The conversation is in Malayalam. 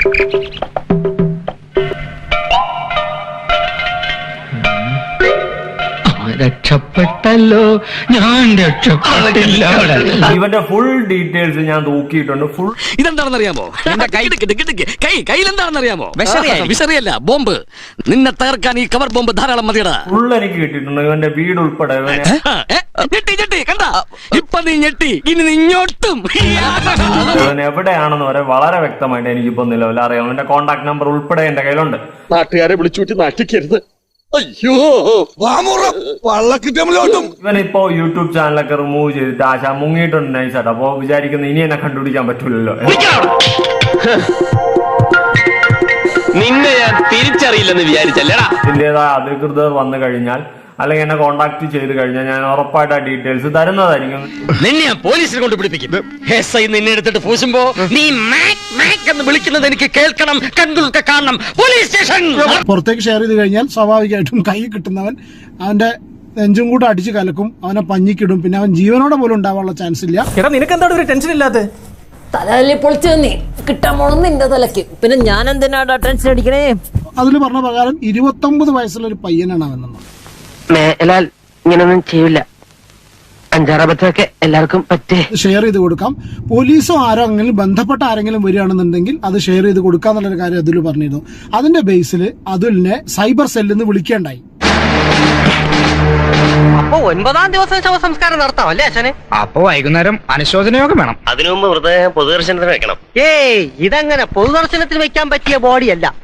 രക്ഷപ്പെട്ടല്ലോ, ഞാൻ രക്ഷപ്പെട്ടില്ല. ഇവന്റെ ഫുൾ ഡീറ്റെയിൽസ് ഞാൻ നോക്കിയിട്ടുണ്ട്. ഫുൾ ഇതെന്താണെന്നറിയാമോ? കയ്യിലെന്താണെന്നറിയാമോ? വിഷറിയല്ല, ബോംബ്. നിന്നെ തകർക്കാൻ ഈ കവർ ബോംബ് ധാരാളം മതിയടാ. ഫുൾ എനിക്ക് കിട്ടിയിട്ടുണ്ട്. ഇവന്റെ വീട് ഉൾപ്പെടെ ഞെട്ടി കണ്ട. ഇപ്പൊ നീ ഞെട്ടി, ഇനി നീ ഇങ്ങോട്ടും. ഇവൻ എവിടെയാണെന്ന് വരെ വളരെ വ്യക്തമായിട്ട് എനിക്കിപ്പോ നിലവിൽ അറിയാം. അവന്റെ കോണ്ടാക്ട് നമ്പർ ഉൾപ്പെടെ എന്റെ കയ്യിലുണ്ട്. നാട്ടുകാരെ വിളിച്ചുകൂട്ടി നാട്ടിക്കരുത്. അയ്യോ, ഇവനിപ്പോ യൂട്യൂബ് ചാനലൊക്കെ റിമൂവ് ചെയ്തിട്ട് ആശ മുങ്ങിയിട്ടുണ്ട് നൈസായിട്ട്. അപ്പൊ വിചാരിക്കുന്നത് ഇനി എന്നെ കണ്ടുപിടിക്കാൻ പറ്റൂലല്ലോ. നിന്നെ ഞാൻ തിരിച്ചറിയില്ലെന്ന് വിചാരിച്ചല്ലേടാ. ഇതിന്റേതായ അധികൃതർ വന്നു കഴിഞ്ഞാൽ അല്ലെങ്കിൽ എന്നെ കോണ്ടാക്ട് ചെയ്ത് കഴിഞ്ഞാൽ ഞാൻ ഉറപ്പായിട്ട് ആ ഡീറ്റെയിൽസ് തരുന്നതായിരിക്കും. നിന്നെ പോലീസിനെ കൊണ്ട് പിടിപ്പിക്കും. നിന്നെ എടുത്തിട്ട് പൂശുമ്പോ നീ എന്ന് വിളിക്കുന്നത് എനിക്ക് കേൾക്കണം, കണ്ണുകൾക്ക് കാണണം. Police station. പുറത്തേക്ക് ഷെയർ ചെയ്ത് കഴിഞ്ഞാൽ സ്വാഭാവികമായിട്ടും കൈ കിട്ടുന്നവൻ അവന്റെ നെഞ്ചും കൂടെ അടിച്ചു കലക്കും, അവനെ പഞ്ഞിക്കിടും. പിന്നെ അവൻ ജീവനോടെ പോലും ഉണ്ടാവാനുള്ള ചാൻസ് ഇല്ല. എടാ, നിനക്ക് എന്താണ് ഒരു ടെൻഷൻ ഇല്ലാത്ത? തലയിൽ പൊളിച്ചു നീ കിട്ടാൻ പോണം നിന്റെ തലക്ക്. പിന്നെ ഞാൻ എന്തിനാടാ ടെൻഷൻ അടിക്കണേ? അതിൽ പറഞ്ഞ പ്രകാരം 29 വയസ്സുള്ള ഒരു പയ്യനാണ് അവനെന്ന്. മേലാൽ ഇങ്ങനൊന്നും ചെയ്യില്ല. അഞ്ചാറബത്തൊക്കെ എല്ലാവർക്കും പറ്റേ. ഷെയർ ചെയ്ത് കൊടുക്കാം. പോലീസോ ആരോ അങ്ങനെ ബന്ധപ്പെട്ട ആരെങ്കിലും വരികയാണെന്നുണ്ടെങ്കിൽ അത് ഷെയർ ചെയ്ത് കൊടുക്കാന്നുള്ളൊരു കാര്യം അതിൽ പറഞ്ഞിരുന്നു. അതിന്റെ ബേസിൽ അതുലിനെ സൈബർ സെല്ലിൽ നിന്ന് വിളിക്കേണ്ടായി. അപ്പൊ 9-ാം ദിവസം ശവസംസ്കാരം നടത്താം അല്ലേ അച്ഛനെ? അപ്പൊ വൈകുന്നേരം അനുശോചനയൊക്കെ വേണം. അതിനു മുമ്പ് പൊതുദർശനത്തിന് വെക്കണം. ഏയ്, ഇതങ്ങനെ പൊതുദർശനത്തിന് വെക്കാൻ പറ്റിയ ബോഡിയല്ല.